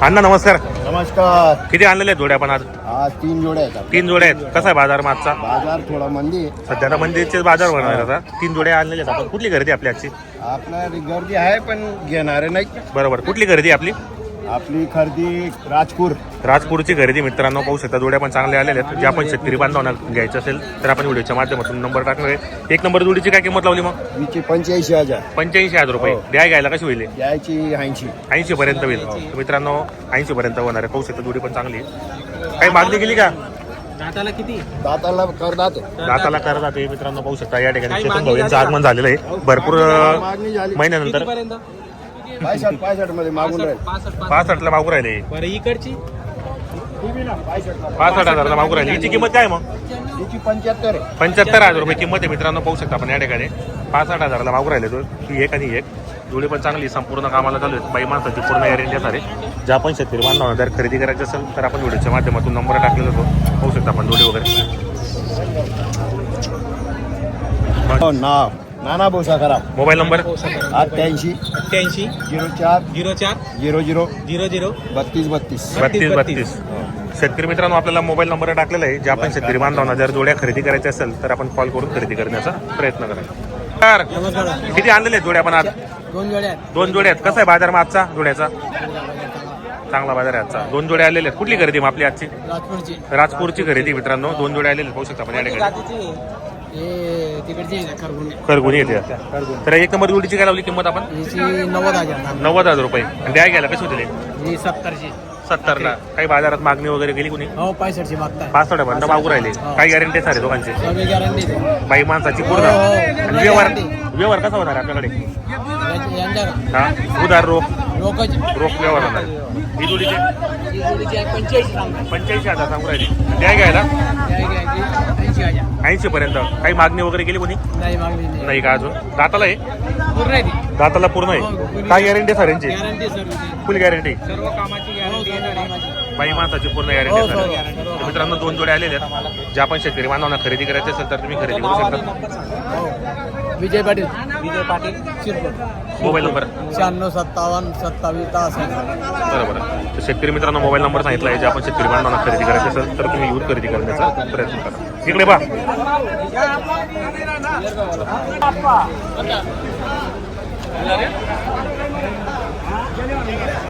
अण्णा नमस्कार. नमस्कार. किती आणलेले आहेत जोड्या आपण आज? आज 3 जोड्या आहेत. 3 जोड्या आहेत. कसा आहे बाजार मागचा? बाजार थोडा मंदी आहे. सध्या तर मंदिरचे बाजार होणार आता. 3 जोड्या आणलेले आहेत आपण. कुठली खरेदी आपली आजची? आपल्या गर्दी आहे पण घेणारे नाही. बरोबर. कुठली खरेदी आपली? आपली खरेदी राजपूर. राजपूरची खरेदी मित्रांनो पाहू शकता. जोड्या पण चांगल्या आलेल्या आहेत. जे आपण शेतकरी बांधवांना घ्यायचं असेल तर आपण व्हिडिओच्या माध्यमातून नंबर टाकणार आहे. एक नंबर जोडीची काय किंमत लावली मग? हिची 85,000. 85,000 रुपये. द्या घ्यायला कशी होईल? याची 80. 80 पर्यंत होईल. तर मित्रांनो 80 पर्यंत होणार आहे. पाहू शकता जोडी पण चांगली आहे. काही मागणी केली का? दाताला किती? दाताला करदात. दाताला कर जाते मित्रांनो पाहू शकता. या ठिकाणी चेतन भाऊ यांचं आगमन झालेलं आहे भरपूर मागणी झाली. महिन्यानंतर. 65 मध्ये मागून राहील. 65 ला मागू राहिले. बरं इकडची 65,000 मागू राहिले. हिची किंमत काय मग? हिची 75 आहे. 75,000 रुपये किंमत आहे मित्रांनो पाहू शकता आपण या ठिकाणी. 65,000 ला मागू राहिले तो. ही एक आणि एक जोडी पण चांगली संपूर्ण कामाला चालू आहे. बाई माणसाची पूर्ण गॅरंटी सारे. ज्या आपण शेतकरी बांधवांना जर खरेदी करायची असेल तर आपण व्हिडिओच्या माध्यमातून नंबर टाकलेला तो पाहू शकता आपण जोडी वगैरे. नाव नाना बोसा करा. Mobile number 88 88 04 04 00 00 32 32. 32. शेतकरी मित्रांनो आपल्याला मोबाईल नंबर टाकलेला आहे. जे आपण शेतकरी बांधवांना जर जोड्या खरेदी करायच्या असेल तर आपण कॉल करून खरेदी करण्याचा प्रयत्न करा. तर नमस्कार. किती आणलेले आहेत जोड्या आपण आज? 2 जोड्या आहेत. 2 जोड्या आहेत. कसा आहे बाजार मग आजचा जोड्याचा? चांगला बाजार आहे आजचा. 2 जोड्या आलेले आहेत. कुठली खरेदी मग आपली आजची? राजपूरची. राजपूरची खरेदी मित्रांनो. 2 जोड्या आलेले आहेत. पाहू शकता आपण या ठिकाणी. जातीची हे तिकडची आहे खरगुंडे. खरगुणी येते. तर एक नंबर जोडीची काय लावली किंमत आपण? हिची 90,000. 90,000 रुपये. आणि द्या घ्यायला कशी होते? ही 70ची. 70 ला. काही बाजारात मागणी वगैरे केली कुणी? हो 65ची मागताय. 65 पर्यंत मागू राहिले. काही गॅरंटी सारे दोघांचे? सगळी गॅरंटी बाई माणसाची पूर्ण. हो, हो. आणि व्यवहार कसा होणार आहे आपल्याकडे? यांच्या हा उधार रोख लोकच व्यवहार होणार आहे. ही जोडीचे 85 85,000 सांगू राहिले. द्या घ्यायला 80,000. 80 पर्यंत. काही मागणी वगैरे केली कोणी? नाही मागली नाही. नाही का अजून? दाताला आहे? पूर्ण आहे ती. दाताला पूर्ण आहे. काय गॅरंटी सर यांची? गॅरंटी सर्व. Full guarantee. सर्व कामाची गॅरंटी आहे. बाई माणसाची पूर्ण हो, गॅरंटी हो, सर. guarantee. तर मित्रांनो 2 जोड्या आलेल्या आहेत. ज्या आपण शेतकरी बांधवांना खरेदी करायची असेल तर तुम्ही खरेदी करू शकता. विजय पाटील. विजय पाटील शिरपूर. Mobile number 96 57 27 63. बरोबर. तर शेतकरी मित्रांनो मोबाईल नंबर सांगितला आहे. जे आपण शेतकरी बांधवांना खरेदी करायची असेल तर तुम्ही येऊन खरेदी करण्याचा प्रयत्न करा. इकडे पहा.